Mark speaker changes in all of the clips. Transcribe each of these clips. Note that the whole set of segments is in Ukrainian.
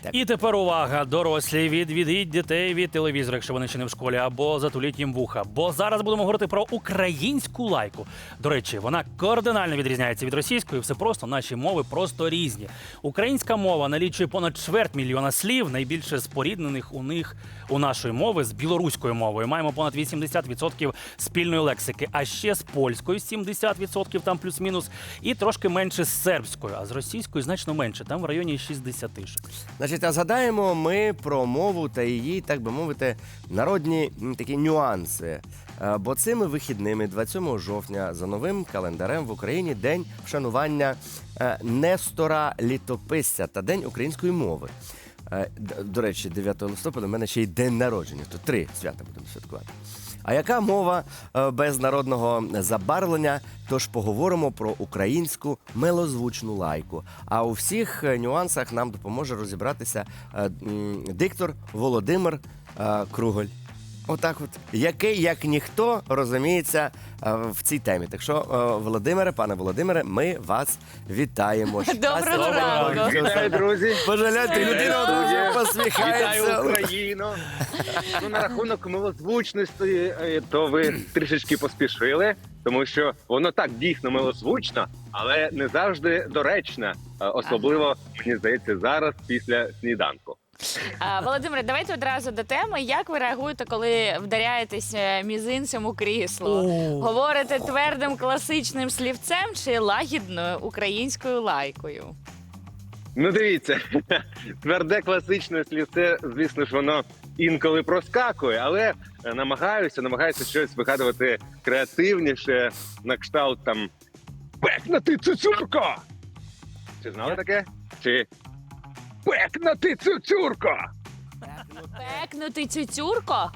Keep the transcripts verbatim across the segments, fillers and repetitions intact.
Speaker 1: І тепер увага, дорослі, відведіть дітей від телевізора, якщо вони ще не в школі, або затуліть їм вуха. Бо зараз будемо говорити про українську лайку. До речі, вона кардинально відрізняється від російської, все просто, наші мови просто різні. Українська мова налічує понад чверть мільйона слів, найбільше споріднених у них у нашої мови з білоруською мовою. Маємо понад вісімдесят відсотків спільної лексики, а ще з польською сімдесят відсотків, там плюс-мінус, і трошки менше з сербською, а з російською значно менше, там в районі шістдесят.
Speaker 2: Значить, а згадаємо ми про мову та її, так би мовити, народні м, такі нюанси. Е, Бо цими вихідними, двадцять сьомого жовтня, за новим календарем в Україні день вшанування е, Нестора Літописця та День української мови. Е, д- До речі, дев'ятого листопада в мене ще й день народження, то три свята будемо святкувати. А яка мова е, без народного забарвлення? Тож поговоримо про українську милозвучну лайку. А у всіх е, нюансах нам допоможе розібратися е, м, диктор Володимир е, Круголь. Отак от. Який, як ніхто, розуміється е, в цій темі. Так що, е, Володимире, пане Володимире, ми вас вітаємо.
Speaker 3: Доброго
Speaker 2: Щастя,
Speaker 3: ранку.
Speaker 2: здоров'я,
Speaker 4: Вітаю,
Speaker 2: всього
Speaker 4: друзі!
Speaker 2: Боже, гляньте, людина одразу
Speaker 4: Вітаю
Speaker 2: посміхається.
Speaker 4: Україну! Ну, на рахунок милозвучності, е, то ви трішечки поспішили, тому що воно так дійсно милозвучно, але не завжди доречно. Е, Особливо, мені здається, зараз після сніданку.
Speaker 3: А, Володимире, давайте одразу до теми. Як ви реагуєте, коли вдаряєтесь е, мізинцем у крісло? Говорите твердим класичним слівцем чи лагідною українською лайкою?
Speaker 4: Ну, дивіться, тверде класичне слівце, звісно ж, воно інколи проскакує, але е, намагаюся, намагаюся щось вигадувати креативніше, на кшталт там «Пекна ти, цуцюрко!» Чи знали таке? Чи «Пекна ти, цуцюрко!»
Speaker 3: Пекнути цюцюрко?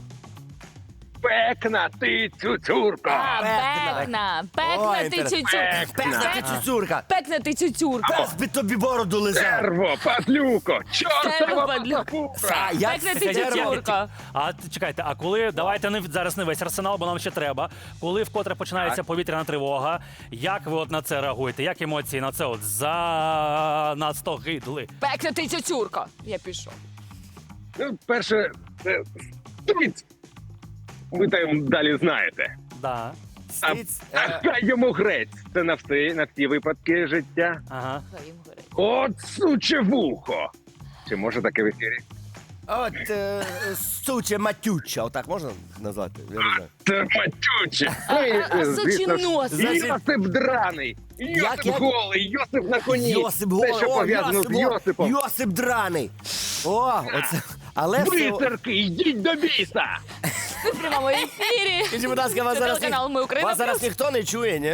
Speaker 4: «Пекна ти, цуцюрко!»
Speaker 3: А,
Speaker 2: Пекна.
Speaker 3: пекна.
Speaker 2: Ой,
Speaker 3: Пекнути
Speaker 2: інтересно.
Speaker 3: цюцюрко.
Speaker 2: Песна ти цуцюрка!
Speaker 3: Пекнути цюцюрко.
Speaker 2: Пес би тобі бороду лизав!
Speaker 4: Терво, падлюко,
Speaker 3: Терво,
Speaker 4: чортова
Speaker 3: падлюко.
Speaker 4: папура!
Speaker 2: А, як
Speaker 3: Пекнути
Speaker 2: це
Speaker 3: цюцюрко.
Speaker 1: А т- чекайте, а коли, давайте не в- зараз не весь арсенал, бо нам ще треба. Коли вкотре починається
Speaker 4: Так.
Speaker 1: повітряна тривога, як ви от на це реагуєте? Як емоції на це от за нас сто гидли?
Speaker 3: Пекнути цюцюрко. Я пішов.
Speaker 4: Ну, перше, це стриць. Ви там далі знаєте.
Speaker 1: Да.
Speaker 4: А,
Speaker 2: Стиць,
Speaker 4: а
Speaker 2: е,
Speaker 4: хай йому грець. Це на всі, на всі випадки життя.
Speaker 1: Ага.
Speaker 3: Хай їм горить.
Speaker 4: От суче вухо. Чи може таке в ефірі?
Speaker 2: От е, суче матюча, отак можна назвати? Я не знаю.
Speaker 4: Це матюче.
Speaker 3: А,
Speaker 4: Ну, і,
Speaker 3: а, а
Speaker 4: звісно
Speaker 3: сучий
Speaker 4: ж,
Speaker 3: нос.
Speaker 2: Значить-
Speaker 4: Йосип драний. Йосип
Speaker 2: як?
Speaker 4: голий, Йосип на коні.
Speaker 2: Йосип
Speaker 4: Те,
Speaker 2: Голий,
Speaker 4: що
Speaker 2: о,
Speaker 4: пов'язано
Speaker 2: Йосип
Speaker 4: з
Speaker 2: Голий,
Speaker 4: Йосипом.
Speaker 2: Йосип драний. О, оце. Але все...
Speaker 4: Бисерки, йдіть до біса!
Speaker 3: Ми в прямому ефірі.
Speaker 2: Скажіть, будь ласка, вас
Speaker 3: Це
Speaker 2: зараз,
Speaker 3: телеканал «Ми Україна
Speaker 2: вас зараз
Speaker 3: Плюс».
Speaker 2: ніхто не чує, ні?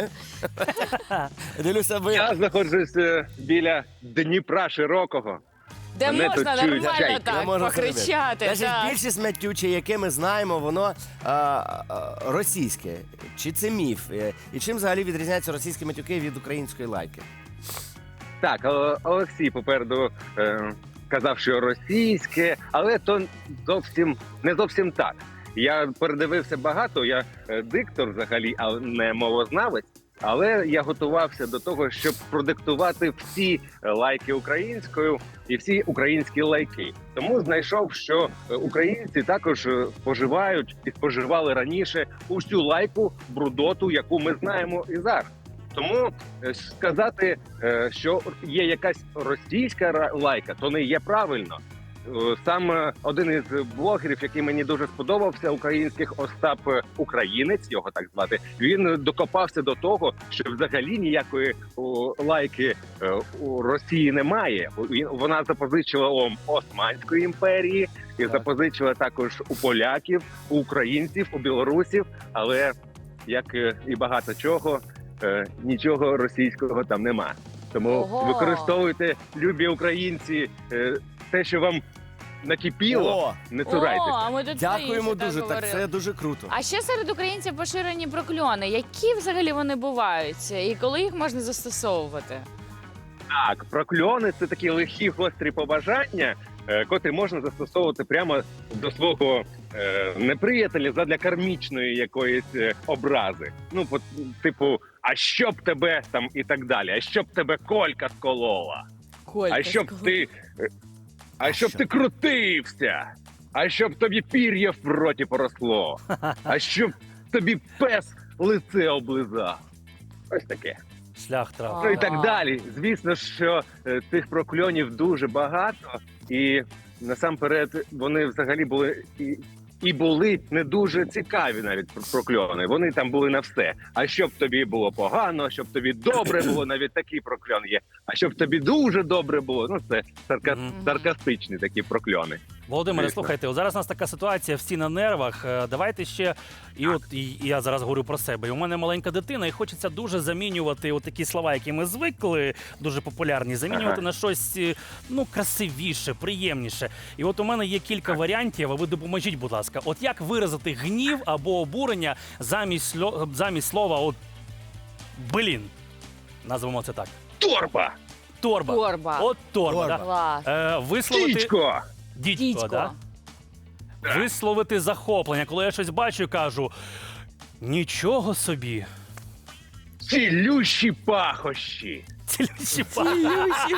Speaker 2: Дивлюся, ви...
Speaker 4: Я знаходжусь е, біля Дніпра Широкого.
Speaker 3: Де
Speaker 4: Мене
Speaker 3: можна
Speaker 4: тут чують
Speaker 3: нормально
Speaker 4: чайки.
Speaker 2: Я
Speaker 3: так
Speaker 2: можу
Speaker 3: покричати.
Speaker 2: Значить,
Speaker 3: так.
Speaker 2: більшість матюче, яке ми знаємо, воно а, а, російське. Чи це міф? Е, І чим взагалі відрізняються російські матюки від української лайки?
Speaker 4: Так, О- Олексій попереду е, казав, що російське, але то зовсім не зовсім так. Я передивився багато, я е, диктор взагалі, а не мовознавець. Але я готувався до того, щоб продиктувати всі е, лайки українською і всі українські лайки. Тому знайшов, що е, українці також е, споживають і споживали раніше усю лайку, брудоту, яку ми знаємо і зараз. Тому е, сказати, е, що є якась російська ра- лайка, то не є правильно. Е, Сам е, один із блогерів, який мені дуже сподобався, українських Остап е, Українець, його так звати, він е, докопався до того, що взагалі ніякої о, лайки е, у Росії немає. У- він- Вона запозичила у Османської імперії і
Speaker 2: Так.
Speaker 4: запозичила також у поляків, у українців, у білорусів, але як е, і багато чого, е, нічого російського там нема. Тому
Speaker 3: Ого.
Speaker 4: використовуйте, любі українці, е, те, що вам накипіло,
Speaker 2: О,
Speaker 4: не
Speaker 3: О,
Speaker 4: цурайтеся.
Speaker 3: а ми тут
Speaker 2: дякуємо
Speaker 3: раніше
Speaker 2: дуже, так
Speaker 3: говорили.
Speaker 2: це дуже круто.
Speaker 3: А ще серед українців поширені прокльони. Які взагалі вони бувають? І коли їх можна застосовувати?
Speaker 4: Так, прокльони це такі лихі гострі побажання, е, котрі можна застосовувати прямо до свого е, неприятеля задля кармічної якоїсь е, образи. Ну, по, типу, а щоб тебе там і так далі, а щоб тебе колька сколола,
Speaker 3: Колька,
Speaker 4: а щоб
Speaker 3: скажи.
Speaker 4: ти. е, А щоб
Speaker 2: що?
Speaker 4: ти крутився, а щоб тобі пір'я в роті поросло, а щоб тобі пес лице облизав. Ось таке.
Speaker 1: Шлях трав.
Speaker 4: Ну і
Speaker 3: Ага.
Speaker 4: так далі. Звісно, що е, тих прокльонів дуже багато, і насамперед вони взагалі були і, і були не дуже цікаві навіть про- прокльони. Вони там були на все. А щоб тобі було погано, щоб тобі добре було, навіть такий прокльон є. А щоб тобі дуже добре було, ну це сарка...
Speaker 1: Мгм.
Speaker 4: саркастичні такі прокльони.
Speaker 1: Володимире,
Speaker 4: Звісно.
Speaker 1: слухайте, от зараз у нас така ситуація, всі на нервах. Е, Давайте ще, і от і, і я зараз говорю про себе. І у мене маленька дитина, і хочеться дуже замінювати от такі слова, які ми звикли, дуже популярні, замінювати
Speaker 4: Ага.
Speaker 1: на щось е, ну красивіше, приємніше. І от у мене є кілька варіантів. А ви допоможіть, будь ласка, от як виразити гнів або обурення замість сло- замість слова от блін. Назвемо це так.
Speaker 4: Торба!
Speaker 1: Торба.
Speaker 3: Торба.
Speaker 1: От торба.
Speaker 2: Торба.
Speaker 1: Да?
Speaker 3: Клас.
Speaker 1: Е, висловити
Speaker 4: Дідько!
Speaker 1: дідько,
Speaker 3: Дідько.
Speaker 1: да? Висловити захоплення, коли я щось бачу і кажу: нічого собі.
Speaker 4: Цілющі пахощі!
Speaker 1: Цілющі пахощі.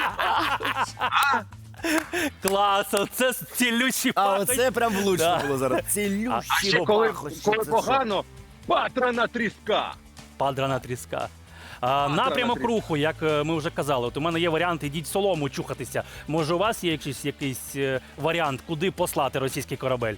Speaker 1: Клас, оце цілющі
Speaker 2: А
Speaker 1: пахощі.
Speaker 2: оце прям влучно
Speaker 1: Да.
Speaker 2: було зараз. Цілющі
Speaker 4: А ще коли,
Speaker 2: пахощі,
Speaker 4: коли
Speaker 2: це що?
Speaker 4: погано, патрана тріска!
Speaker 1: Падрана тріска. А, напрямок
Speaker 4: тріска.
Speaker 1: руху, як е, ми вже казали, от у мене є варіант, ідіть солому чухатися. Може, у вас є якийсь, якийсь е, варіант, куди послати російський корабель?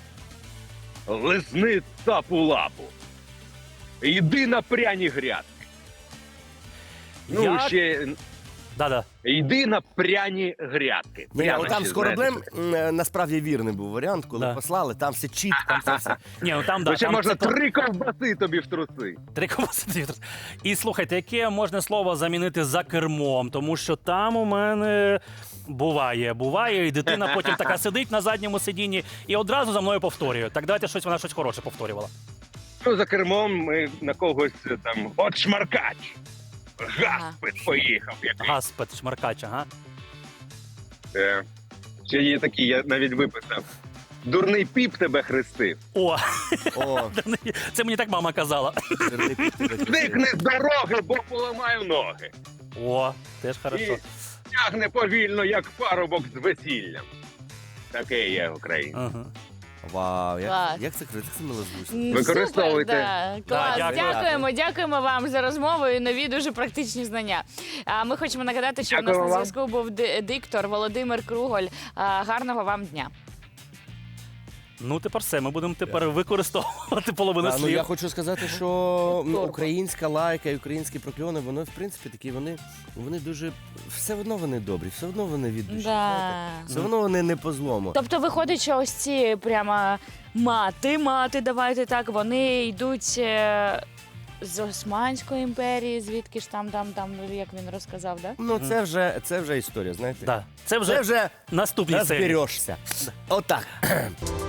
Speaker 4: Лизни цапу лапу. Йди на пряні грядки. Ну,
Speaker 1: Я-
Speaker 4: ще
Speaker 1: Да-да.
Speaker 4: йди на пряні грядки.
Speaker 2: Ні,
Speaker 4: Прямо
Speaker 2: от там
Speaker 4: ще,
Speaker 2: з кораблем
Speaker 4: знаєте,
Speaker 2: м, е, насправді вірний був варіант, коли
Speaker 1: Да.
Speaker 2: послали, там все чітко, там все все.
Speaker 1: Ні, ну там, да,
Speaker 4: то ще
Speaker 1: там
Speaker 4: можна
Speaker 1: це-
Speaker 4: три ковбаси тобі в труси.
Speaker 1: Три ковбаси. І слухайте, яке можна слово замінити за кермом, тому що там у мене буває, буває, і дитина потім така сидить на задньому сидінні і одразу за мною повторює. Так давайте щось вона щось хороше повторювала.
Speaker 4: Ну, за кермом ми на когось е, там от шмаркач. Гаспит поїхав. Який.
Speaker 1: Гаспет, шмаркач, ага.
Speaker 4: Е, Ще є такі, я навіть виписав. Дурний піп тебе хрестив.
Speaker 1: О,
Speaker 2: О,
Speaker 1: це мені так мама казала.
Speaker 2: жирний піп тебе крутив.
Speaker 4: Зникни з дороги, бо поламаю ноги.
Speaker 1: О, теж хорошо.
Speaker 4: І тягне повільно, як парубок з весіллям. Таке є Україна.
Speaker 1: Ага.
Speaker 2: Вау, як,
Speaker 3: Клас.
Speaker 2: як це круто, як це милозвучно.
Speaker 3: М,
Speaker 4: Використовуйте.
Speaker 3: Супер, да. Клас.
Speaker 1: Да, дякую.
Speaker 3: Дякуємо, дякуємо вам за розмову і нові дуже практичні знання. А ми хочемо нагадати, що в нас
Speaker 4: Дякую
Speaker 3: на
Speaker 4: вам.
Speaker 3: зв'язку був ди- диктор Володимир Круголь. А, Гарного вам дня.
Speaker 1: Ну, тепер все, ми будемо тепер використовувати половину
Speaker 2: А, ну,
Speaker 1: слів.
Speaker 2: я хочу сказати, що ну,
Speaker 3: Торба.
Speaker 2: українська лайка і українські прокльони, вони в принципі такі, вони, вони дуже все одно вони добрі, все одно вони від душі. знаєте.
Speaker 3: Да.
Speaker 2: Все одно вони не по злому.
Speaker 3: Тобто виходить, що ось ці прямо мати, мати, давайте так, вони йдуть е, з Османської імперії, звідки ж там, там, там, як він розказав, да?
Speaker 2: Ну це вже це вже історія, знаєте.
Speaker 1: Да. Це вже
Speaker 2: Це вже
Speaker 1: наступні серії.
Speaker 2: розберешся. Отак.